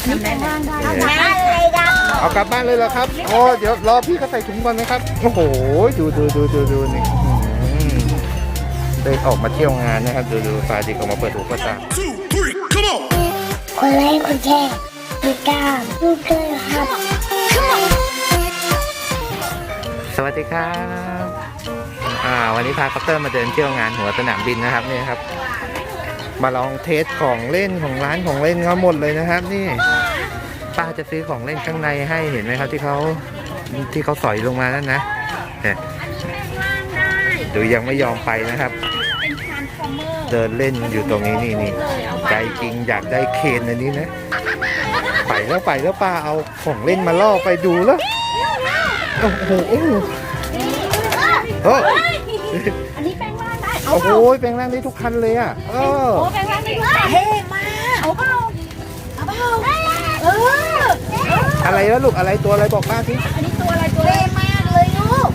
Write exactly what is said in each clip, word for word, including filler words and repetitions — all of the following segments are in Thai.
นี่แปลงร่างได้เอากลับบ้านเลยเหรอครับโอ้เดี๋ยวรอพี่เขาใส่ถุงก่อนนะครับโอ้โหดูดูดูดูดูนี่ได้ออกมาเที่ยวงานนะครับดูดูฟาดิกออกมาเปิดหูเปิดตาคนไลค์คนแชร์ติดตามลูกเกยครับสวัสดีครับอ่าวันนี้พาคอปเตอร์มาเดินเที่ยวงานหัวสนามบินนะครับนี่ครับมาลองเทสของเล่นของร้านของเล่นเขาหมดเลยนะครับนี่ป้าจะซื้อของเล่นข้างในให้เห็นไหมครับที่เขาที่เขาสอยลงมานั่นนะเนี่ยดูยังไม่ยอมไปนะครับ เดินเล่นอยู่ตรงนี้นี่นี่ใจจริงอยากได้เคนอันนี้นะไปแล้วไปแล้วป้าเอาของเล่นมาล่อไปดูแล้วโอ้โหโอ้โหอันนี้แปลงร่างได้โอ้โหแปลงร่างได้ทุกคันเลยอ่ะเออโอ้แปลงร่างได้ด้วยเท่มากเอาเปล่าเอาเปล่าเอออะไรแล้วลูกอะไรตัวอะไรบอกป้าสิอันนี้ตัวอะไรตัวเท่มากเลยลูก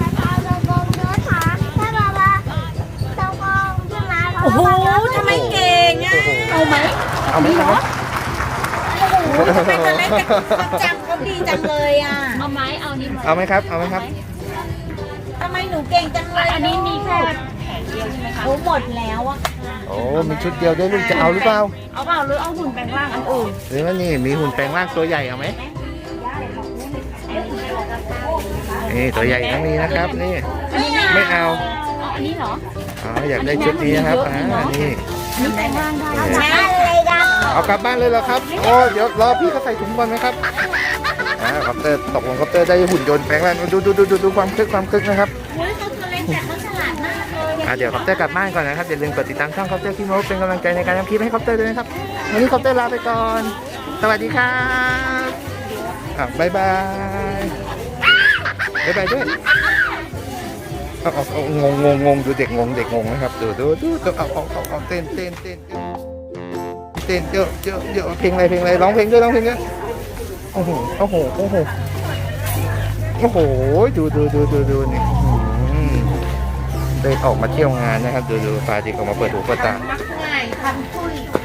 โอ้โหทำไมเก่งอ่ะเอาไหมเอาไหมครับโอ้โหทำไมตอนแรกจำเขาดีจังเลยอ่ะเอาไหมเอานี้เอาไหมครับเอาไหมครับทำไมหนูเก่งจังเลยอันนี้มีแค่แผงเดียวใช่ไหมคะโอ้หมดแล้วอ่ะโอ้มีชุดเดียวด้วยลูกจะเอาหรือเปล่าเอาเปล่าหรือเอาหุ่นแปลงร่างอันอื่นหรือว่านี่มีหุ่นแปลงร่างตัวใหญ่เอาไหมนี่ตัวใหญ่ทั้งนี้นะครับนี่ไม่เอาเอาอันนี้เหรออ๋ออยากได้ชุดนี้นะครับอ่านี่นี่แปลงร่างได้เอากลับบ้านเลยเหรอครับโอ้เดี๋ยวรอพี่เขาใส่ถุงก่อนนะครับอ่าคอปเตอร์ตกลงคอปเตอร์ได้หุ่นยนต์แปลงร่างดูดูดูดูดูความคึกความคึกนะครับเฮ้ยเขาตัวเล็กแต่เขาฉลาดมากเลยอ่าเดี๋ยวคอปเตอร์กลับบ้านก่อนนะครับอย่าลืมกดติดตามช่องคอปเตอร์ที่โม้เป็นกำลังใจในการทำคลิปให้คอปเตอร์ด้วยนะครับวันนี้คอปเตอร์ลาไปก่อนสวัสดีครับอ่ะบ๊ายบายบ๊ายบายด้วยเอาเอาเอางงงงงงดูเด็กงงเด็กงงนะครับดูดูดูดูเอาเอาเอาเอาเต้นเต้นเต้นเต้นเยอะเยอะเยอะเพลงอะไรเพลงอะไรร้องเพลงด้วยร้องเพลงด้วยโอ้โหโอ้โหโอ้โหโอ้โหดูดูดูดูดูนี่ได้ออกมาเที่ยวงานนะครับดูดูฟาดิกออกมาเปิดหูเปิดตามักง่ายพันทุย